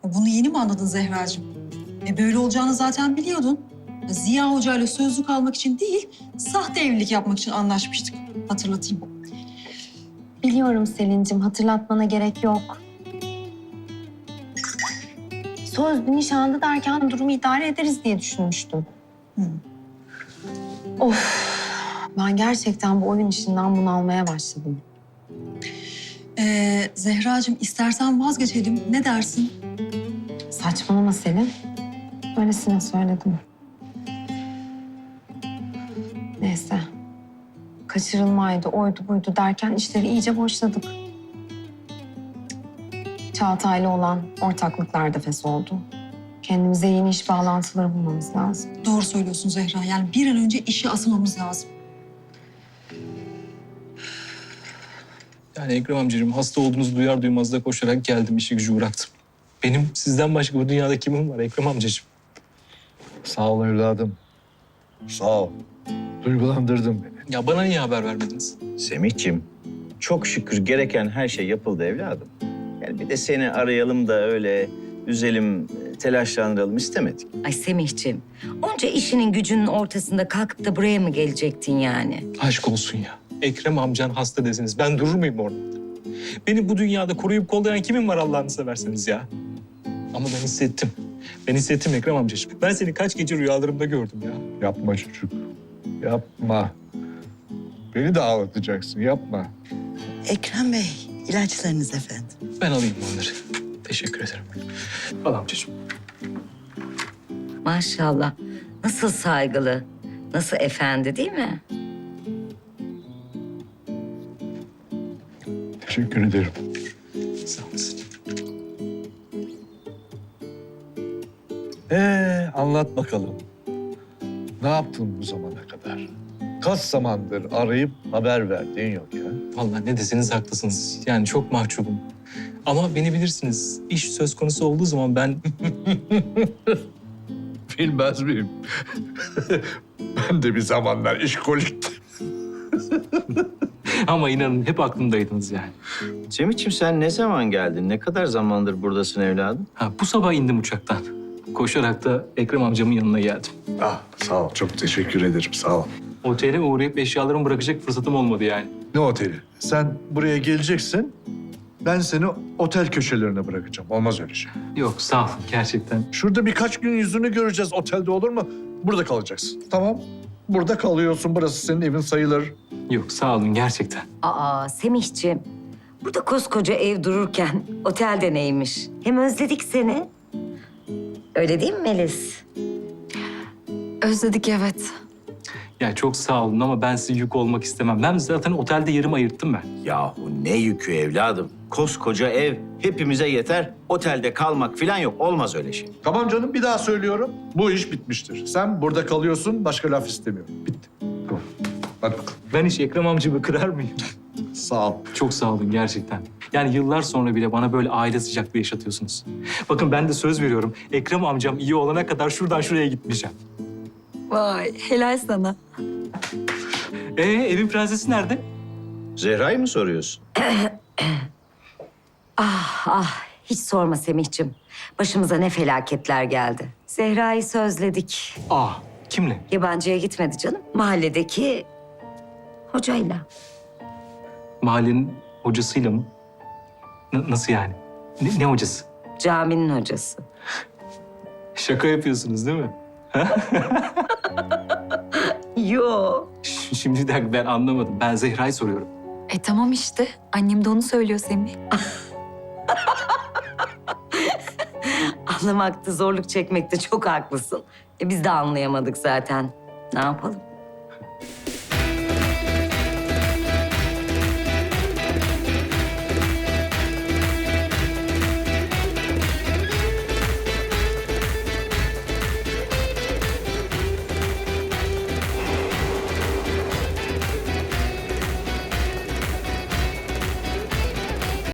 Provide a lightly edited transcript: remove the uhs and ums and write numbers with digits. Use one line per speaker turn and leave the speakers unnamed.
Bunu yeni mi anladın Zehracığım? Böyle olacağını zaten biliyordun. Ziya Hoca ile sözlük almak için değil, sahte evlilik yapmak için anlaşmıştık. Hatırlatayım.
Biliyorum Selin'cim, hatırlatmana gerek yok. Sözlü nişanlı derken durumu idare ederiz diye düşünmüştüm. Of, ben gerçekten bu oyun işinden bunalmaya başladım.
Zehracığım istersen vazgeçelim. Ne dersin?
Saçmalama Selin. Öylesine söyledim. Neyse. Kaçırılmaydı, oydu buydu derken işleri iyice boşladık. Çağatay'la olan ortaklıklar da fes oldu. Kendimize yeni iş bağlantıları bulmamız lazım.
Doğru söylüyorsun Zehra. Yani bir an önce işe asılmamız lazım.
Yani Ekrem amcacığım hasta olduğunuzu duyar duymaz da koşarak geldim, işi gücü bıraktım. Benim sizden başka bu dünyada kimim var Ekrem amcacığım?
Sağ ol evladım. Sağ ol. Duygulandırdın beni.
Ya bana niye haber vermediniz?
Semihciğim, çok şükür gereken her şey yapıldı evladım. Yani bir de seni arayalım da öyle üzelim, telaşlandıralım istemedik.
Ay Semihciğim, onca işinin gücünün ortasında kalkıp da buraya mı gelecektin yani?
Aşk olsun ya. Ekrem amcan hasta deseniz ben durur muyum orada? Beni bu dünyada koruyup kollayan kimim var Allah'ını severseniz ya? Ama ben hissettim. Ben hissettim Ekrem amcacığım. Ben seni kaç gece rüyalarımda gördüm ya.
Yapma çocuk. Yapma. Beni de ağlatacaksın. Yapma.
Ekrem Bey, ilaçlarınız efendim.
Ben alayım onları. Teşekkür ederim. Al amcacığım.
Maşallah, nasıl saygılı, nasıl efendi değil mi?
Teşekkür ederim.
Sağ olasın.
Anlat bakalım. Ne yaptın bu zamana kadar? Kaç zamandır arayıp haber verdiğin yok ya.
Vallahi ne deseniz haklısınız. Yani çok mahcubum. Ama beni bilirsiniz. İş söz konusu olduğu zaman ben...
Bilmez miyim? Ben de bir zamanlar işkoliktim.
Ama inanın hep aklımdaydınız yani.
Semihciğim sen ne zaman geldin? Ne kadar zamandır buradasın evladım?
Bu sabah indim uçaktan. Koşarak da Ekrem amcamın yanına geldim.
Ah, sağ ol. Çok teşekkür ederim. Sağ ol.
Otele uğrayıp eşyalarımı bırakacak fırsatım olmadı yani.
Ne oteli? Sen buraya geleceksin. Ben seni otel köşelerine bırakacağım. Olmaz öyle şey.
Yok sağ olun gerçekten.
Şurada birkaç gün yüzünü göreceğiz. Otelde olur mu? Burada kalacaksın. Tamam. Burada kalıyorsun. Burası senin evin sayılır.
Yok sağ olun gerçekten.
Aa Semihciğim, burada koskoca ev dururken otelde neymiş? Hem özledik seni. Öyle değil mi Melis?
Özledik evet.
Ya çok sağ olun ama ben size yük olmak istemem. Ben zaten otelde yerimi ayırttım ben.
Yahu ne yükü evladım? Koskoca ev hepimize yeter. Otelde kalmak falan yok. Olmaz öyle şey.
Tamam canım, bir daha söylüyorum. Bu iş bitmiştir. Sen burada kalıyorsun, başka laf istemiyorum. Bitti. Tamam. Hadi bakalım.
Ben hiç Ekrem amcamı kırar mıyım?
Sağ ol.
Çok sağ olun gerçekten. Yani yıllar sonra bile bana böyle aile sıcaklığı yaşatıyorsunuz. Bakın ben de söz veriyorum. Ekrem amcam iyi olana kadar şuradan şuraya gitmeyeceğim.
Vay, helal sana.
Evin prensesi nerede?
Zehra'yı mı soruyorsun?
Ah, hiç sorma Semihciğim. Başımıza ne felaketler geldi. Zehra'yı sözledik.
Kimle?
Yabancıya gitmedi canım. Mahalledeki hocayla.
Mahallenin hocasıyla mı? Nasıl yani? Ne hocası?
Caminin hocası.
Şaka yapıyorsunuz değil mi?
Yo.
Şimdi bir dakika ben anlamadım. Ben Zehra'yı soruyorum.
Tamam işte. Annem de onu söylüyor Semih.
Anlamakta zorluk çekmekte çok haklısın. Biz de anlayamadık zaten. Ne yapalım?